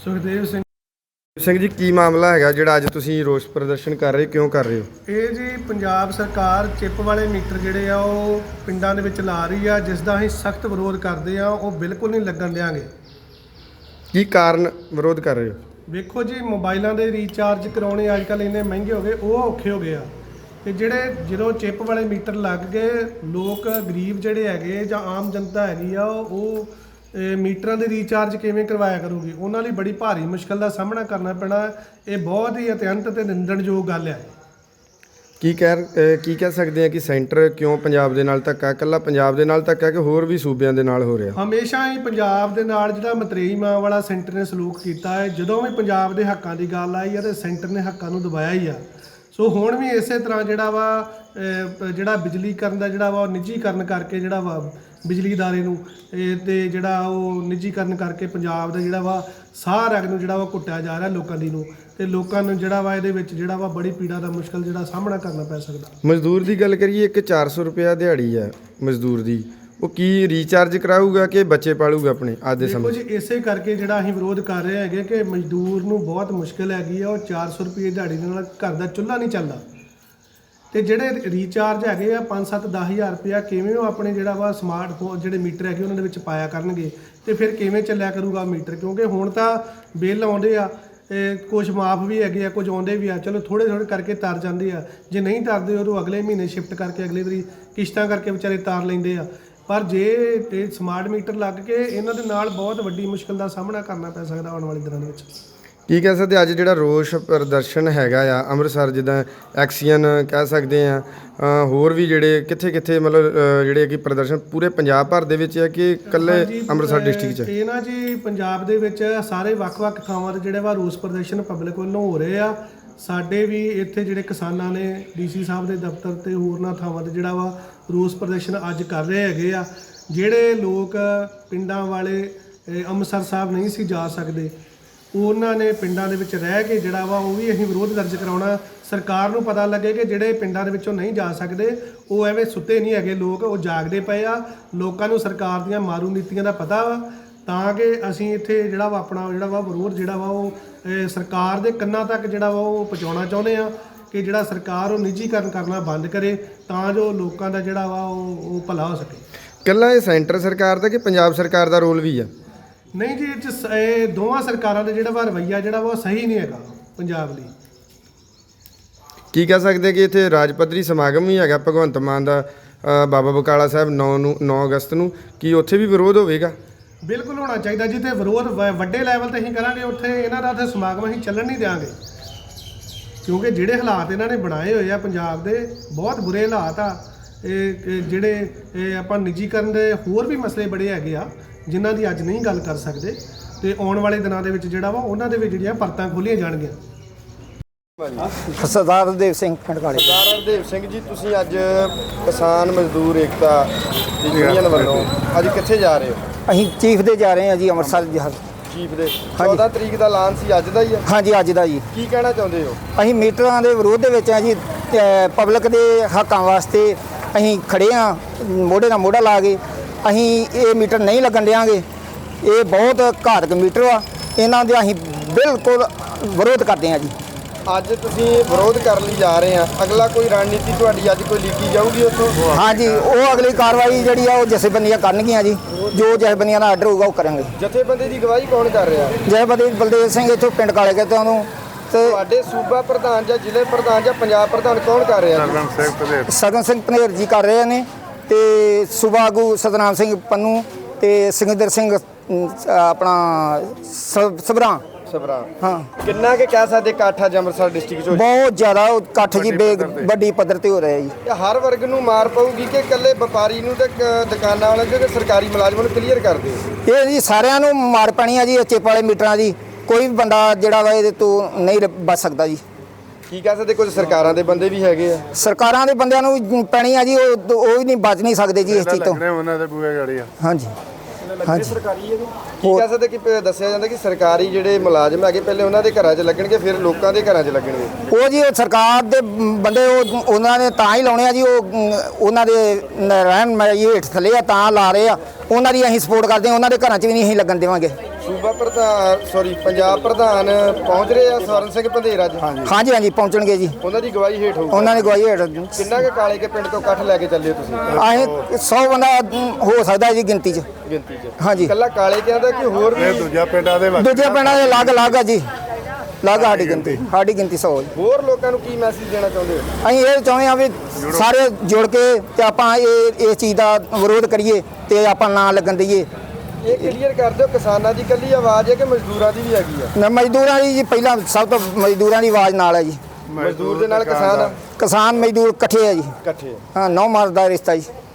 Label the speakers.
Speaker 1: ਸੁਖਦੇਵ
Speaker 2: ਸਿੰਘ ਜੀ, ਕੀ ਮਾਮਲਾ ਹੈਗਾ ਜਿਹੜਾ ਅੱਜ ਤੁਸੀਂ ਰੋਸ ਪ੍ਰਦਰਸ਼ਨ ਕਰ ਰਹੇ, ਕਿਉਂ ਕਰ ਰਹੇ ਹੋ?
Speaker 1: ਇਹ ਜੀ ਪੰਜਾਬ ਸਰਕਾਰ ਚਿੱਪ ਵਾਲੇ ਮੀਟਰ ਜਿਹੜੇ ਆ ਉਹ ਪਿੰਡਾਂ ਦੇ ਵਿੱਚ ਲਾ ਰਹੀ ਆ, ਜਿਸ ਦਾ ਅਸੀਂ ਸਖਤ ਵਿਰੋਧ ਕਰਦੇ ਆ। ਉਹ ਬਿਲਕੁਲ ਨਹੀਂ ਲੱਗਣ ਦਿਆਂਗੇ।
Speaker 2: ਕੀ ਕਾਰਨ ਵਿਰੋਧ ਕਰ ਰਹੇ ਹੋ?
Speaker 1: ਵੇਖੋ ਜੀ, ਮੋਬਾਈਲਾਂ ਦੇ ਰੀਚਾਰਜ ਕਰਾਉਣੇ ਅੱਜ ਕੱਲ੍ਹ ਇੰਨੇ ਮਹਿੰਗੇ ਹੋ ਗਏ, ਉਹ ਔਖੇ ਹੋ ਗਏ ਆ। ਤੇ ਜਿਹੜੇ ਜਦੋਂ ਚਿੱਪ ਵਾਲੇ ਮੀਟਰ ਲੱਗ ਗਏ, ਲੋਕ ਗਰੀਬ ਜਿਹੜੇ ਹੈਗੇ ਜਾਂ ਆਮ ਜਨਤਾ ਹੈਗੀ ਆ, ਉਹ ਮੀਟਰਾਂ ਦੇ ਰੀਚਾਰਜ ਕਿਵੇਂ ਕਰਵਾਇਆ ਕਰੂਗੀ? ਉਹਨਾਂ ਲਈ ਬੜੀ ਭਾਰੀ ਮੁਸ਼ਕਲ ਦਾ ਸਾਹਮਣਾ ਕਰਨਾ ਪੈਣਾ। ਇਹ ਬਹੁਤ ਹੀ ਅਤਿਅੰਤ ਤੇ ਨਿੰਦਣਯੋਗ ਗੱਲ ਹੈ।
Speaker 2: ਕੀ ਕਹਿ ਸਕਦੇ ਆ ਕਿ ਸੈਂਟਰ ਕਿਉਂ ਪੰਜਾਬ ਦੇ ਨਾਲ ਧੱਕਾ, ਇਕੱਲਾ ਪੰਜਾਬ ਦੇ ਨਾਲ ਧੱਕਾ ਕਿ ਹੋਰ ਵੀ ਸੂਬਿਆਂ ਦੇ ਨਾਲ ਹੋ ਰਿਹਾ?
Speaker 1: ਹਮੇਸ਼ਾ ਹੀ ਪੰਜਾਬ ਦੇ ਨਾਲ ਜਿਹੜਾ ਮਤਰੇਈ ਮਾਂ ਵਾਲਾ ਸੈਂਟਰ ਨੇ ਸਲੂਕ ਕੀਤਾ ਹੈ। ਜਦੋਂ ਵੀ ਪੰਜਾਬ ਦੇ ਹੱਕਾਂ ਦੀ ਗੱਲ ਆਈ ਹੈ ਤੇ ਸੈਂਟਰ ਨੇ ਹੱਕਾਂ ਨੂੰ ਦਬਾਇਆ ਹੀ ਆ। ਸੋ ਹੁਣ ਵੀ ਇਸੇ ਤਰ੍ਹਾਂ ਜਿਹੜਾ ਬਿਜਲੀਕਰਨ ਦਾ ਜਿਹੜਾ ਵਾ ਉਹ ਨਿੱਜੀਕਰਨ ਕਰਕੇ ਜਿਹੜਾ ਵਾ ਬਿਜਲੀ ਅਦਾਰੇ ਨੂੰ ਤੇ ਜਿਹੜਾ ਉਹ ਨਿੱਜੀਕਰਨ ਕਰਕੇ ਪੰਜਾਬ ਦਾ ਜਿਹੜਾ ਵਾ ਸਾਹ ਰਗ ਨੂੰ ਜਿਹੜਾ ਵਾ ਘੁੱਟਿਆ ਜਾ ਰਿਹਾ ਲੋਕਾਂ ਦੀ ਨੂੰ, ਤੇ ਲੋਕਾਂ ਨੂੰ ਜਿਹੜਾ ਵਾ ਇਹਦੇ ਵਿੱਚ ਜਿਹੜਾ ਵਾ ਬੜੀ ਪੀੜਾ ਦਾ ਮੁਸ਼ਕਲ ਜਿਹੜਾ ਸਾਹਮਣਾ ਕਰਨਾ ਪੈ ਸਕਦਾ।
Speaker 2: ਮਜ਼ਦੂਰ ਦੀ ਗੱਲ ਕਰੀਏ, ਇੱਕ 400 ਰੁਪਇਆ ਦਿਹਾੜੀ ਹੈ ਮਜ਼ਦੂਰ ਦੀ, ਉਹ ਕੀ ਰੀਚਾਰਜ ਕਰਾਊਗਾ ਕਿ ਬੱਚੇ ਪਾਲੂਗਾ ਆਪਣੇ ਅੱਜ ਦੇ ਸਮੇਂ?
Speaker 1: ਦੇਖੋ ਜੀ, ਇਸੇ ਕਰਕੇ ਜਿਹੜਾ ਅਸੀਂ ਵਿਰੋਧ ਕਰ ਰਹੇ ਹੈਗੇ ਕਿ ਮਜ਼ਦੂਰ ਨੂੰ ਬਹੁਤ ਮੁਸ਼ਕਲ ਹੈਗੀ ਆ। ਉਹ 400 ਰੁਪਏ ਦਿਹਾੜੀ ਦੇ ਨਾਲ ਘਰ ਦਾ ਚੁੱਲ੍ਹਾ ਨਹੀਂ ਚੱਲਦਾ। ਤੇ ਜਿਹੜੇ ਰੀਚਾਰਜ ਹੈਗੇ ਆ 5-7-10,000 ਰੁਪਇਆ, ਕਿਵੇਂ ਉਹ ਆਪਣੇ ਜਿਹੜਾ ਵਾ ਸਮਾਰਟਫੋਨ ਜਿਹੜੇ ਮੀਟਰ ਹੈਗੇ ਉਹਨਾਂ ਦੇ ਵਿੱਚ ਪਾਇਆ ਕਰਨਗੇ? ਤੇ ਫਿਰ ਕਿਵੇਂ ਚੱਲਿਆ ਕਰੂਗਾ ਮੀਟਰ? ਕਿਉਂਕਿ ਹੁਣ ਤਾਂ ਬਿੱਲ ਆਉਂਦੇ ਆ, ਕੁਝ ਮਾਫ ਵੀ ਹੈਗੇ ਆ, ਕੁਝ ਆਉਂਦੇ ਵੀ ਆ। ਚਲੋ ਥੋੜ੍ਹੇ ਕਰਕੇ ਤਰ ਜਾਂਦੇ ਆ। ਜੇ ਨਹੀਂ ਤਰਦੇ ਉਦੋਂ ਅਗਲੇ ਮਹੀਨੇ ਸ਼ਿਫਟ ਕਰਕੇ ਅਗਲੇ ਵਾਰੀ ਕਿਸ਼ਤਾਂ ਕਰਕੇ ਵਿਚਾਰੇ ਤਾਰ ਲੈਂਦੇ ਆ। ਪਰ ਜੇ ਸਮਾਰਟ ਮੀਟਰ ਲੱਗ ਕੇ ਇਹਨਾਂ ਦੇ ਨਾਲ ਬਹੁਤ ਵੱਡੀ ਮੁਸ਼ਕਲ ਦਾ ਸਾਹਮਣਾ ਕਰਨਾ ਪੈ ਸਕਦਾ ਆਉਣ ਵਾਲੇ ਦਿਨਾਂ ਦੇ ਵਿੱਚ।
Speaker 2: ਕੀ ਕਹਿ ਸਕਦੇ ਅੱਜ ਜਿਹੜਾ ਰੋਸ ਪ੍ਰਦਰਸ਼ਨ ਹੈਗਾ ਆ ਅੰਮ੍ਰਿਤਸਰ, ਜਿੱਦਾਂ ਐਕਸੀਅਨ ਕਹਿ ਸਕਦੇ ਆ, ਹੋਰ ਵੀ ਜਿਹੜੇ ਕਿੱਥੇ ਮਤਲਬ ਜਿਹੜੇ ਕਿ ਪ੍ਰਦਰਸ਼ਨ ਪੂਰੇ ਪੰਜਾਬ ਭਰ ਦੇ ਵਿੱਚ ਹੈ ਕਿ ਇਕੱਲੇ ਅੰਮ੍ਰਿਤਸਰ ਡਿਸਟ੍ਰਿਕਟ 'ਚ?
Speaker 1: ਇਹ ਨਾ ਜੀ, ਪੰਜਾਬ ਦੇ ਵਿੱਚ ਸਾਰੇ ਵੱਖ-ਵੱਖ ਥਾਵਾਂ 'ਤੇ ਜਿਹੜੇ ਵਾ ਰੋਸ ਪ੍ਰਦਰਸ਼ਨ ਪਬਲਿਕ ਵੱਲੋਂ ਹੋ ਰਹੇ ਆ। ਸਾਡੇ ਵੀ ਇੱਥੇ ਜਿਹੜੇ ਕਿਸਾਨਾਂ ਨੇ ਡੀਸੀ ਸਾਹਿਬ ਦੇ ਦਫ਼ਤਰ ਤੇ ਹੋਰਨਾਂ ਥਾਵਾਂ 'ਤੇ ਜਿਹੜਾ ਵਾ ਰੋਸ ਪ੍ਰਦਰਸ਼ਨ ਅੱਜ ਕਰ ਰਹੇ ਹੈਗੇ ਆ। ਜਿਹੜੇ ਲੋਕ ਪਿੰਡਾਂ ਵਾਲੇ ਅੰਮ੍ਰਿਤਸਰ ਸਾਹਿਬ ਨਹੀਂ ਸੀ ਜਾ ਸਕਦੇ, ਉਹਨਾਂ ਨੇ ਪਿੰਡਾਂ ਦੇ ਵਿੱਚ ਰਹਿ ਕੇ ਜਿਹੜਾ ਵਾ ਉਹ ਵੀ ਅਸੀਂ ਵਿਰੋਧ ਦਰਜ ਕਰਾਉਣਾ। ਸਰਕਾਰ ਨੂੰ ਪਤਾ ਲੱਗੇ ਕਿ ਜਿਹੜੇ ਪਿੰਡਾਂ ਦੇ ਵਿੱਚੋਂ ਨਹੀਂ ਜਾ ਸਕਦੇ ਉਹ ਐਵੇਂ ਸੁੱਤੇ ਨਹੀਂ ਹੈਗੇ, ਲੋਕ ਉਹ ਜਾਗਦੇ ਪਏ ਆ। ਲੋਕਾਂ ਨੂੰ ਸਰਕਾਰ ਦੀਆਂ ਮਾਰੂ ਨੀਤੀਆਂ ਦਾ ਪਤਾ ਵਾ, ਤਾਂ ਕਿ ਅਸੀਂ ਇੱਥੇ ਜਿਹੜਾ ਵਾ ਆਪਣਾ ਜਿਹੜਾ ਵਾ ਵਿਰੋਧ ਜਿਹੜਾ ਵਾ ਉਹ ਸਰਕਾਰ ਦੇ ਕੰਨਾਂ ਤੱਕ ਜਿਹੜਾ ਵਾ ਉਹ ਪਹੁੰਚਾਉਣਾ ਚਾਹੁੰਦੇ ਆ ਕਿ ਜਿਹੜਾ ਸਰਕਾਰ ਉਹ ਨਿੱਜੀਕਰਨ ਕਰਨਾ ਬੰਦ ਕਰੇ, ਤਾਂ ਜੋ ਲੋਕਾਂ ਦਾ ਜਿਹੜਾ ਵਾ ਉਹ ਭਲਾ ਹੋ ਸਕੇ।
Speaker 2: ਇਕੱਲਾ ਇਹ ਸੈਂਟਰ ਸਰਕਾਰ ਦਾ ਕਿ ਪੰਜਾਬ ਸਰਕਾਰ ਦਾ ਰੋਲ ਵੀ ਆ?
Speaker 1: ਨਹੀਂ ਜੀ, ਇਹ ਦੋਵਾਂ ਸਰਕਾਰਾਂ ਦਾ ਜਿਹੜਾ ਵਾ ਰਵੱਈਆ ਜਿਹੜਾ ਵਾ ਉਹ ਸਹੀ ਨਹੀਂ ਹੈਗਾ ਪੰਜਾਬ ਲਈ।
Speaker 2: ਕੀ ਕਹਿ ਸਕਦੇ ਕਿ ਇੱਥੇ ਰਾਜ ਪੱਧਰੀ ਸਮਾਗਮ ਵੀ ਹੈਗਾ ਭਗਵੰਤ ਮਾਨ ਦਾ ਬਾਬਾ ਬਕਾਲਾ ਸਾਹਿਬ 9 ਅਗਸਤ ਨੂੰ, ਕੀ ਉੱਥੇ ਵੀ ਵਿਰੋਧ ਹੋਵੇਗਾ?
Speaker 1: ਬਿਲਕੁਲ ਹੋਣਾ ਚਾਹੀਦਾ ਜੀ। ਤੇ ਵਿਰੋਧ ਵੱਡੇ ਲੈਵਲ ਤੇ ਅਸੀਂ ਕਰਾਂਗੇ। ਉੱਥੇ ਇਹਨਾਂ ਦਾ ਉੱਥੇ ਸਮਾਗਮ ਅਸੀਂ ਚੱਲਣ ਨਹੀਂ ਦਿਆਂਗੇ, ਕਿਉਂਕਿ ਜਿਹੜੇ ਹਾਲਾਤ ਇਹਨਾਂ ਨੇ ਬਣਾਏ ਹੋਏ ਆ ਪੰਜਾਬ ਦੇ, ਬਹੁਤ ਬੁਰੇ ਹਾਲਾਤ ਆ। ਜਿਹੜੇ ਆਪਾਂ ਨਿੱਜੀਕਰਨ ਦੇ ਹੋਰ ਵੀ ਮਸਲੇ ਬੜੇ ਹੈਗੇ ਆ ਜਿਨ੍ਹਾਂ ਦੀ ਅੱਜ ਨਹੀਂ ਗੱਲ ਕਰ ਸਕਦੇ, ਤੇ ਆਉਣ ਵਾਲੇ ਦਿਨਾਂ ਦੇ ਵਿੱਚ ਜਿਹੜਾ ਵਾ ਉਹਨਾਂ ਦੇ ਵਿੱਚ ਜਿਹੜੀਆਂ ਪਰਤਾਂ ਖੋਲੀਆਂ ਜਾਣਗੀਆਂ।
Speaker 3: ਸਰਦਾਰ ਹਰਦੇਵ ਸਿੰਘ ਪਿੰਡ ਕਾਲੇ।
Speaker 2: ਸਰਦਾਰ ਹਰਦੇਵ ਸਿੰਘ ਜੀ, ਤੁਸੀਂ ਅੱਜ ਕਿਸਾਨ ਮਜ਼ਦੂਰ ਏਕਤਾ ਦੀ ਯੂਨੀਅਨ ਵੱਲੋਂ ਅੱਜ ਕਿੱਥੇ ਜਾ ਰਹੇ ਹੋ?
Speaker 3: ਅਸੀਂ ਚੀਫ ਦੇ ਜਾ ਰਹੇ ਹਾਂ ਜੀ, ਅੰਮ੍ਰਿਤਸਰ ਜਹਾਜ਼
Speaker 2: ਚੀਫ ਦੇ 14 ਤਰੀਕ ਦਾ ਐਲਾਨ ਸੀ, ਅੱਜ ਦਾ ਹੀ ਹੈ?
Speaker 3: ਹਾਂਜੀ, ਅੱਜ ਦਾ ਜੀ।
Speaker 2: ਕੀ ਕਹਿਣਾ ਚਾਹੁੰਦੇ ਹੋ?
Speaker 3: ਅਸੀਂ ਮੀਟਰਾਂ ਦੇ ਵਿਰੋਧ ਦੇ ਵਿੱਚ ਹਾਂ ਜੀ। ਪਬਲਿਕ ਦੇ ਹੱਕਾਂ ਵਾਸਤੇ ਅਸੀਂ ਖੜੇ ਹਾਂ, ਮੋਢੇ ਨਾਲ ਮੋਢਾ ਲਾ ਕੇ। ਅਸੀਂ ਇਹ ਮੀਟਰ ਨਹੀਂ ਲੱਗਣ ਦਿਆਂਗੇ। ਇਹ ਬਹੁਤ ਘਾਤਕ ਮੀਟਰ ਆ, ਇਹਨਾਂ ਦੇ ਅਸੀਂ ਬਿਲਕੁਲ ਵਿਰੋਧ ਕਰਦੇ ਹਾਂ ਜੀ।
Speaker 2: ਅੱਜ ਤੁਸੀਂ ਵਿਰੋਧ ਕਰਨ ਲਈ ਜਾ ਰਹੇ ਆ, ਅਗਲਾ ਕੋਈ ਰਣਨੀਤੀ ਤੁਹਾਡੀ ਅੱਜ ਕੋਈ ਲਿਖੀ ਜਾਊਗੀ ਉੱਥੋਂ?
Speaker 3: ਹਾਂਜੀ, ਉਹ ਅਗਲੀ ਕਾਰਵਾਈ ਜਿਹੜੀ ਆ ਉਹ ਜਥੇਬੰਦੀਆਂ ਕਰਨਗੀਆਂ ਜੀ। ਜੋ ਜਥੇਬੰਦੀਆਂ ਦਾ ਆਰਡਰ ਹੋਊਗਾ ਉਹ ਕਰਾਂਗੇ।
Speaker 2: ਜਥੇਬੰਦੀ ਦੀ ਅਗਵਾਈ ਕੌਣ ਕਰ ਰਿਹਾ?
Speaker 3: ਜਥੇਬੰਦੀ ਬਲਦੇਵ ਸਿੰਘ ਇੱਥੋਂ ਪਿੰਡ ਕਾਲੇ ਕੇ ਤੋਂ ਤੇ
Speaker 2: ਤੁਹਾਡੇ ਸੂਬਾ ਪ੍ਰਧਾਨ ਜਾਂ ਜ਼ਿਲ੍ਹੇ ਪ੍ਰਧਾਨ ਜਾਂ ਪੰਜਾਬ ਪ੍ਰਧਾਨ ਕੌਣ ਕਰ ਰਿਹਾ?
Speaker 3: ਸਗਨ ਸਿੰਘ ਪਨੇਰ ਜੀ ਕਰ ਰਹੇ ਨੇ, ਤੇ ਸੂਬਾ ਆਗੂ ਸਤਨਾਮ ਸਿੰਘ ਪੰਨੂ ਤੇ ਸਿੰਗਦਰ ਸਿੰਘ ਆਪਣਾ ਸਭਰਾ।
Speaker 2: ਹਾਂ, ਕਿੰਨਾ ਕਿ ਕਹਿ ਸਕਦੇ ਇਕੱਠ ਅੱਜ ਅੰਮ੍ਰਿਤਸਰ ਡਿਸਟ੍ਰਿਕਟ 'ਚ?
Speaker 3: ਬਹੁਤ ਜ਼ਿਆਦਾ ਇਕੱਠ ਜੀ, ਵੱਡੀ ਪੱਧਰ ਤੇ ਹੋ ਰਿਹਾ ਜੀ।
Speaker 2: ਇਹ ਹਰ ਵਰਗ ਨੂੰ ਮਾਰ ਪਊਗੀ ਕਿ ਇਕੱਲੇ ਵਪਾਰੀ ਨੂੰ ਤੇ ਦੁਕਾਨਾਂ ਵਾਲਿਆਂ ਤੇ ਸਰਕਾਰੀ ਮੁਲਾਜ਼ਮਾਂ ਨੂੰ ਕਲੀਅਰ ਕਰ ਦਿਓ?
Speaker 3: ਇਹ ਜੀ ਸਾਰਿਆਂ ਨੂੰ ਮਾਰ ਪੈਣੀ ਆ ਜੀ, ਚਿੱਪ ਵਾਲੇ ਮੀਟਰਾਂ ਦੀ। ਕੋਈ ਵੀ ਬੰਦਾ ਜਿਹੜਾ ਵਾ ਇਹਦੇ ਤੋਂ ਨਹੀਂ ਬਚ ਸਕਦਾ ਜੀ।
Speaker 2: ਕੀ ਕਹਿ ਸਕਦੇ, ਕੁਝ ਸਰਕਾਰਾਂ ਦੇ ਬੰਦੇ ਵੀ ਹੈਗੇ ਆ?
Speaker 3: ਸਰਕਾਰਾਂ ਦੇ ਬੰਦਿਆਂ ਨੂੰ ਪੈਣੀ ਆ ਜੀ, ਉਹ ਵੀ ਨਹੀਂ ਬਚ ਨਹੀਂ ਸਕਦੇ ਜੀ ਇਸ ਚੀਜ਼ ਤੋਂ।
Speaker 4: ਉਹਨਾਂ ਦੇ ਬੂਹੇ ਗਾੜੀ ਆ।
Speaker 3: ਹਾਂਜੀ ਹਾਂਜੀ।
Speaker 2: ਸਰਕਾਰੀ ਹੈ ਕੀ ਕਹਿ ਸਕਦੇ ਕਿ ਦੱਸਿਆ ਜਾਂਦਾ ਕਿ ਸਰਕਾਰੀ ਜਿਹੜੇ ਮੁਲਾਜ਼ਮ ਹੈਗੇ ਪਹਿਲੇ ਉਹਨਾਂ ਦੇ ਘਰਾਂ 'ਚ ਲੱਗਣਗੇ, ਫਿਰ ਲੋਕਾਂ ਦੇ ਘਰਾਂ 'ਚ ਲੱਗਣਗੇ?
Speaker 3: ਉਹ ਜੀ ਸਰਕਾਰ ਦੇ ਬੰਦੇ ਉਹਨਾਂ ਨੇ ਤਾਂ ਹੀ ਲਾਉਣੇ ਆ ਜੀ। ਉਹਨਾਂ ਦੇ ਰਹਿਣ ਹੇਠ ਥੱਲੇ ਆ ਤਾਂ ਲਾ ਰਹੇ ਆ। ਉਹਨਾਂ ਦੀ ਅਸੀਂ ਸਪੋਰਟ ਕਰਦੇ ਹਾਂ, ਉਹਨਾਂ ਦੇ ਘਰਾਂ 'ਚ ਵੀ ਨਹੀਂ ਅਸੀਂ ਲੱਗਣ ਦੇਵਾਂਗੇ।
Speaker 2: ਸੂਬਾ ਪ੍ਰਧਾਨ ਪੰਜਾਬ ਪ੍ਰਧਾਨ ਪਹੁੰਚ ਰਹੇ ਆ ਸਵਰਨ ਸਿੰਘ ਪੰਧੇਰ ਅੱਜ।
Speaker 3: ਹਾਂਜੀ ਹਾਂਜੀ ਪਹੁੰਚਣਗੇ ਜੀ,
Speaker 2: ਉਹਨਾਂ ਦੀ ਗਵਾਹੀ ਹੇਠ ਹੋਊਗਾ।
Speaker 3: ਉਹਨਾਂ ਦੀ ਗਵਾਹੀ ਹੇਠ
Speaker 2: ਕਿੰਨਾ ਕੁ ਕਾਲੇ ਕੇ ਪਿੰਡ ਤੋਂ ਇਕੱਠ ਲੈ ਕੇ ਚੱਲੇ ਤੁਸੀਂ
Speaker 3: ਅਸੀਂ 100 ਬੰਦਾ ਹੋ ਸਕਦਾ ਜੀ ਗਿਣਤੀ 'ਚ।
Speaker 2: ਗਿਣਤੀ 'ਚ?
Speaker 3: ਹਾਂਜੀ
Speaker 2: ਇਕੱਲਾ ਕਾਲੇ ਕਿਆਂ ਦਾ ਕਿ ਹੋਰ ਵੀ
Speaker 4: ਦੂਜੇ ਪਿੰਡਾਂ ਦੇ
Speaker 3: ਅਲੱਗ ਅਲੱਗ ਆ ਜੀ, ਅਲੱਗ ਸਾਡੀ ਗਿਣਤੀ 100 ਜੀ।
Speaker 2: ਹੋਰ ਲੋਕਾਂ ਨੂੰ ਕੀ ਮੈਸੇਜ ਦੇਣਾ ਚਾਹੁੰਦੇ ਹੋ?
Speaker 3: ਅਸੀਂ ਇਹ ਚਾਹੁੰਦੇ ਹਾਂ ਵੀ ਸਾਰੇ ਜੁੜ ਕੇ ਤੇ ਆਪਾਂ ਇਸ ਚੀਜ਼ ਦਾ ਵਿਰੋਧ ਕਰੀਏ ਤੇ ਆਪਾਂ ਨਾ ਲੱਗਣ ਦਈਏ।
Speaker 2: ਇਹ ਕਲੀਅਰ ਕਰ ਦਿਓ, ਕਿਸਾਨਾਂ ਦੀ ਇਕੱਲੀ ਆਵਾਜ਼ ਹੈ ਕਿ ਮਜ਼ਦੂਰਾਂ ਦੀ ਵੀ ਹੈਗੀ ਆ?
Speaker 3: ਮਜ਼ਦੂਰਾਂ ਦੀ ਜੀ ਪਹਿਲਾਂ ਸਭ ਤੋਂ ਮਜ਼ਦੂਰਾਂ ਦੀ ਆਵਾਜ਼ ਨਾਲ ਹੈ ਜੀ।
Speaker 2: ਮਜ਼ਦੂਰ ਦੇ ਨਾਲ ਕਿਸਾਨ
Speaker 3: ਕਿਸਾਨ ਮਜ਼ਦੂਰ ਇਕੱਠੇ ਆ ਜੀ।
Speaker 2: ਇਕੱਠੇ।
Speaker 3: ਹਾਂ, ਨੌ ਮਰਦ ਦਾ ਰਿਸ਼ਤਾ ਜੀ।